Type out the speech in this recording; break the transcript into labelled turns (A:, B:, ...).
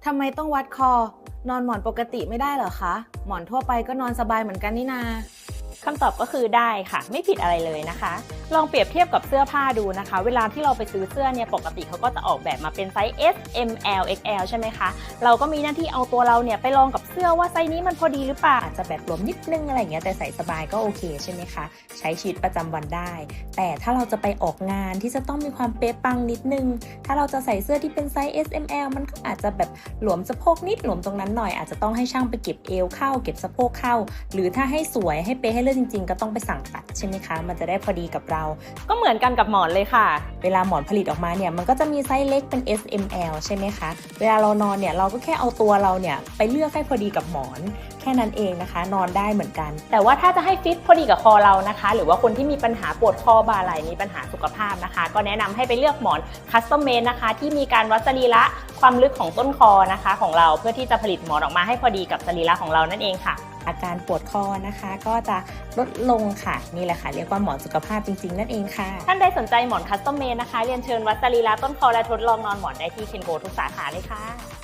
A: ทำไมต้องวัดคอ นอนหมอนปกติไม่ได้เหรอคะ หมอนทั่วไปก็นอนสบายเหมือนกันนี่นา
B: คำตอบก็คือได้ค่ะไม่ผิดอะไรเลยนะคะ ลองเปรียบเทียบกับเสื้อผ้าดูนะคะ เวลาที่เราไปซื้อเสื้อเนี่ยปกติเขาก็จะออกแบบมาเป็นไซส์ S M L XL ใช่ไหมคะเราก็มีหน้าที่เอาตัวเราเนี่ยไปลองกับเสื้อว่าไซส์นี้มันพอดีหรือเปล่าอาจจะแบบหลวมนิดนึงอะไรอย่างเงี้ยแต่ใส่สบายก็โอเคใช่ไหมคะใช้ชีวิตประจำวันได้ แต่ถ้าเราจะไปออกงานที่จะต้องมีความเป๊ะปังนิดนึงถ้าเราจะใส่เสื้อที่เป็นไซส์ S M L มันก็อาจจะแบบหลวมสะโพกนิดหลวมตรงนั้นหน่อยอาจจะต้องให้ช่างไปเก็บเอวเข้าเก็บสะโพกเข้าหรือถ้าให้สวยให้เป๊ะให้เลิศจริงๆก็ต้องไปสั่งตัดใช่ไหมคะมันจะได้พอดีกับเราก็เหมือนกันกับหมอนเลยค่ะ
A: เวลาหมอนผลิตออกมาเนี่ยมันก็จะมีไซส์เล็กเป็น S M L ใช่ไหมคะเวลาเรานอนเนี่ยเราก็แค่เอาตัวเราเนี่ยไปเลือกให้พอดีกับหมอนแค่นั้นเองนะคะนอนได้เหมือนกัน
B: แต่ว่าถ้าจะให้ฟิตพอดีกับคอเรานะคะหรือว่าคนที่มีปัญหาปวดคอบ่าไหล่มีปัญหาสุขภาพนะคะก็แนะนำให้ไปเลือกหมอนคัสตอมเมดนะคะที่มีการวัดสรีระความลึกของต้นคอนะคะของเราเพื่อที่จะผลิตหมอนออกมาให้พอดีกับสรีระของเรานั่นเองค่ะ
A: อาการปวดคอนะคะก็จะลดลงค่ะนี่แหละค่ะเรียกว่าหมอนสุขภาพจริงๆนั่นเองค่ะ
B: ท่านใดสนใจหมอนคัสตอมเมดนะคะเรียนเชิญวัดสรีระต้นคอและทดลองนอนหมอนได้ที่เคนโกทุกสาขาเลยค่ะ